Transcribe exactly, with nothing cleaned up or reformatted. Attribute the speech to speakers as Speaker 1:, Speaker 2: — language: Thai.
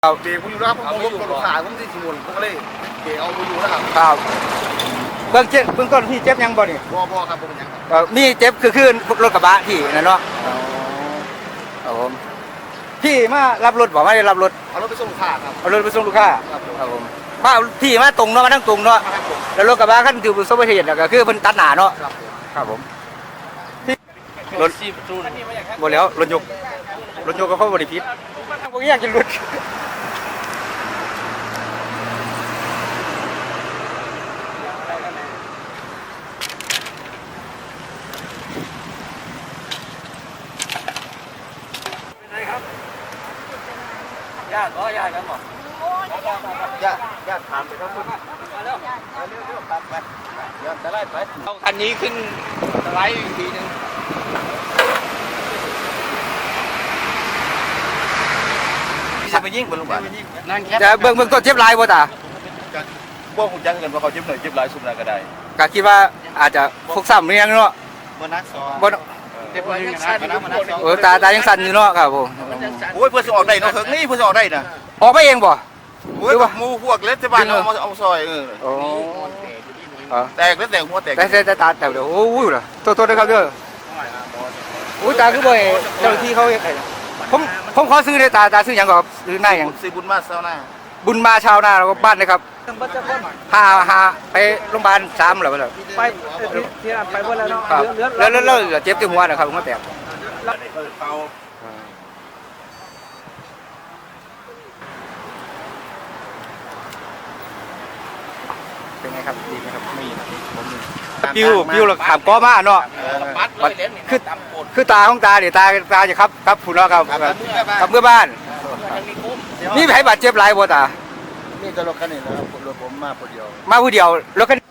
Speaker 1: ครับ
Speaker 2: เบรกผมอยู่นะครับผมรถรถขาผมที่สิมุนผมก็เลยเบรกเอาไปอยู่นะครับ
Speaker 1: ครับเบื้องเจ็บเบื้องต้นที่เจ็บยังบ่นี่
Speaker 2: บ่บ่ครับผมยัง
Speaker 1: เอ่อมีเจ็บคือคือรถกระบะที่นั่นเนาะครับผมพี่มารับรถบอกว่าได้รับรถ
Speaker 2: เอารถไปส่งลูกค้าครับ
Speaker 1: เอารถไปส่งลูกค้า
Speaker 2: ครับผม
Speaker 1: ครับผมพาพี่มาตรงเนาะมาทั้งตรงเนาะ
Speaker 2: ครับผม
Speaker 1: แล้วรถกระบะคันที่ประสบอุบัติเหตุน่ะก็คือเพิ่นตัดหน้าเนาะ
Speaker 2: ครับผม
Speaker 1: ครับผมที่รถบ่แล้วรถยกรถยกก็เขาบ่ได้ผิดบ่อยากกินรถญาติบ่ญาติกันบ่ญาติญาติถามไปครับคุณมาแล้วเร็วๆครับไปญาติจะไล่ไปเอาคันนี้ขึ้นสไลด์อีกทีนึงจะไปยิงบนลูกบาศก์นั่นแค่จะเบิ่งเบิ่งต้นเจ็บหลายบ่ตา
Speaker 2: พวกผมจังกันว่าเขาเจ็บหน่อยเจ็บหลายสุดหน่อยก็ได้
Speaker 1: ก็คิดว่าอาจจะฟกซ้ำเรียงเนาะ
Speaker 2: บ่นักสอง
Speaker 1: บ่
Speaker 2: เจ็บหน่อยยังสั่นนะมันนักสอง
Speaker 1: เออตาตายังสั่นอยู่เนาะครับผม
Speaker 2: โอ้ยเพื่อนสิออกได้เนาะเฮิงนี่เพื่อนสิออกได้นะ
Speaker 1: ออกไปเองบ่
Speaker 2: โอ้ยหมูพวกเล็ดที่บ้านเอามาเอาซอยเออ
Speaker 1: โอ้อ๋อ
Speaker 2: แตกแล้วแตกหัวแตก
Speaker 1: แต่แต่ตาแต่เดี๋ยวโอ้ยล่ะโทษโทษนะครับเด้อโอ้ยตาคือบ่ให้เจ้าหน้าที่เขาเฮ็ดให้ผมผมขอซื้อได้ตาตาซื้อหยังก่อนซื้อหน้าหยัง
Speaker 2: ซื้อบุญมาเซาหน้า
Speaker 1: บุญมาชาวนาแล้วก็บ้านนะครับหาหาไปโรงพยาบาลสามแล้วบ่ล่ะ
Speaker 3: ไปที่นั่นไปหมดแล้วเนาะ
Speaker 1: ครับ
Speaker 3: เหลือ
Speaker 1: แล้วแล้วแล้วเจ็บที่หัวนะครับหัวแตกเป็นไงครับดีไหมครับไม่ปิวปิวแล้วขามก้อมาเนาะ
Speaker 2: ปัดเลยเล่นนี่
Speaker 1: คือคือตาของตาเดี๋ยวตาตาจะครับครับผู้เนาะครับกับเมื่อบ้านนี่ไผบาดเจ็บหลายบ่ตา
Speaker 2: นี่จะรถคันนี้นะครับรถผมมาคนเดียว
Speaker 1: มาผู้เดียวรถคัน